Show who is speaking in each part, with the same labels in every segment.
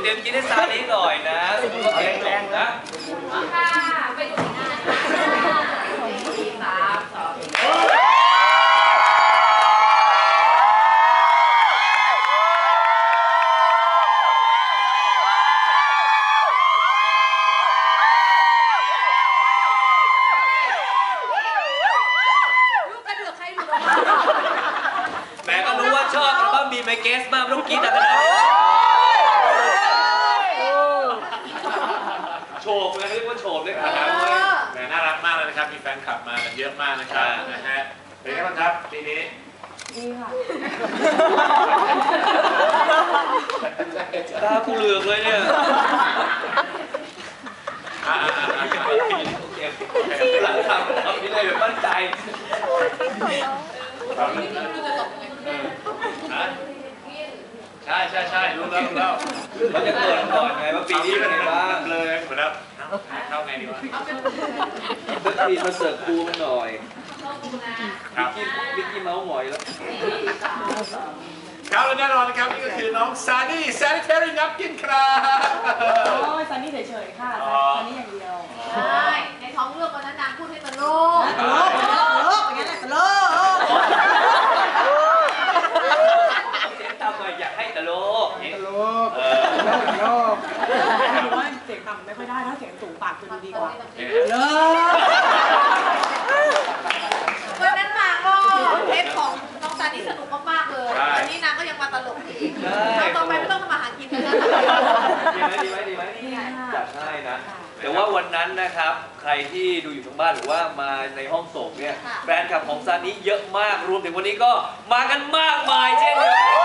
Speaker 1: รียมกินให้ซานี้หน่อยนะสมมติว่าแกงแรงนะ
Speaker 2: ค่ะไปดูที่หน้านะคะ
Speaker 1: แม่ก็รู้ว่าชอบอัลบั้มบีไมเกสมากต้องกินแต่ขนาดนี้โฉบเลยเรียกว่าโฉบเลยครับ
Speaker 3: แหมน่ารักมากเลยนะครับมีแฟนคลับมาเยอะมากนะครับนะฮะเป็นไงบ้างครับปีนี้
Speaker 2: ดีค่ะ
Speaker 1: ตากูเหลือกเลยเนี่ยหลังทำนี่เลยแบบมั่นใจใช่รู้แล้วมันจะเกิดก่อนไงว่าปีนี้เป็นไงบ้าง
Speaker 3: เลยเหมือนแล้วเข้าไงดีวะ
Speaker 1: สักทีมาเสิร์ฟครูมันหน่อยบิ๊กกี้เมาส์หงอยแล้ว
Speaker 3: ครับและแน่นอนนะครับนี่ก็คือน้องซานี่แซนิเทอรี่นับกินครับ
Speaker 4: โอ้ยซานี่เฉยๆค่ะซานี่อย่างเดียว
Speaker 2: ใช่ในท้องเรื่องวันนั้นนางพูดให้ตลก
Speaker 4: อย่างนั้นแหละตลก
Speaker 1: เสียงต่ำหน่อยอยากให้ตลก
Speaker 4: ตลกดูว่าเสียงต่ำไม่ค่อยได้ถ้าเสียงสูงปากจะดูดีกว่า
Speaker 2: วันนั้นมาก็เทปของน้องซานี่สนุกมากๆเลยวันนี้นางก็ยังมาตลกอีกต่อไปไม่ต้องทำอาหารกินแล้ว
Speaker 1: ดีไหมจัดให้นะแต่ว่าวันนั้นนะครับใครที่ดูอยู่ทางบ้านหรือว่ามาในห้องส่งเนี่ยแฟนคลับของซานิเยอะมากรวมถึงวันนี้ก็มากันมากมายเช่นเดียวกัน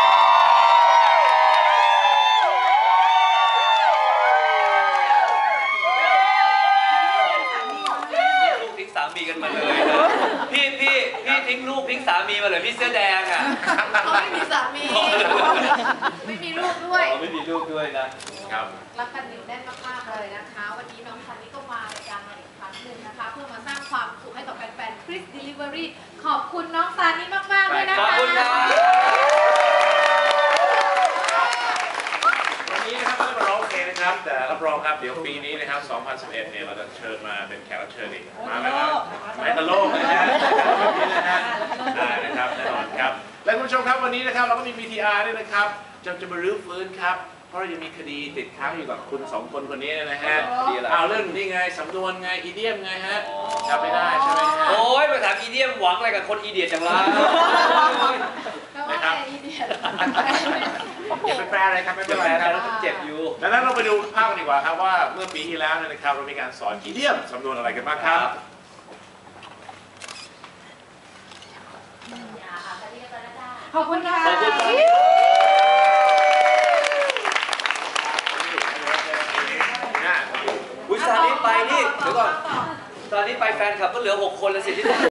Speaker 1: ลูกทิ้งสามีกันมาเลยนะพี่ทิ้งลูกทิ้งสามีมาเลยพี่เสื้อแดงอ่ะ
Speaker 2: เขาไม่มีสามีไม่มีลูกด้วย
Speaker 1: ไม่มีลูกด้วยนะครับ
Speaker 2: รักกันเหนียวแน่นมากๆเลยนะคะวันนี้น้องซานิก็มารายการมาอีกครั้งหนึ่งนะคะเพื่อมาสร้างความสุขให้กับแฟนๆ Chris Delivery ขอบคุณน้องซานิมากๆด้วยนะคะ
Speaker 1: ขอบคุณครับ
Speaker 3: วันนี้นะครับไม่ได้มาร้องเพลงนะครับแต่รับรองครับเดี๋ยวปีนี้นะครับ2011เนี่ยเราจะเชิญมาเป็นแขกรับเชิญอีกมาแล้วครับไม้ตะโลกนะฮะได้นะครับแน่นอนครับและคุณผู้ชมครับวันนี้นะครับเราก็มี VTR ด้วยนะครับจะมารื้อฟื้นครับเพราะยังมีคดีติดค้างอยู่กับคุณ2คนนี้นะฮะเอาเรื่องนี่ไงสำนวนไงอีเดียมไงฮะจำไม่ได้ใช่ไหมฮะ
Speaker 1: โอ้ยมาถามอีเดียมหวังอะไรกับคนอีเดียจังเลย
Speaker 3: นะครับเป็นแปลอะไรครับไม่เป็นไรครับ
Speaker 1: แล้วเจ็บอยู่
Speaker 3: ดังนั้นเราไปดูภาพกันดีกว่าครับว่าเมื่อปีที่แล้วนะครับเรามีการสอนอีเดียมสำนวนอะไรกันบ้างครับ
Speaker 4: ขอบคุณค่ะ
Speaker 1: ซานิไปนี่เดี๋ยวก่อนซานิไปแฟนคลับก็เหลือ6 คนแล้วสิที่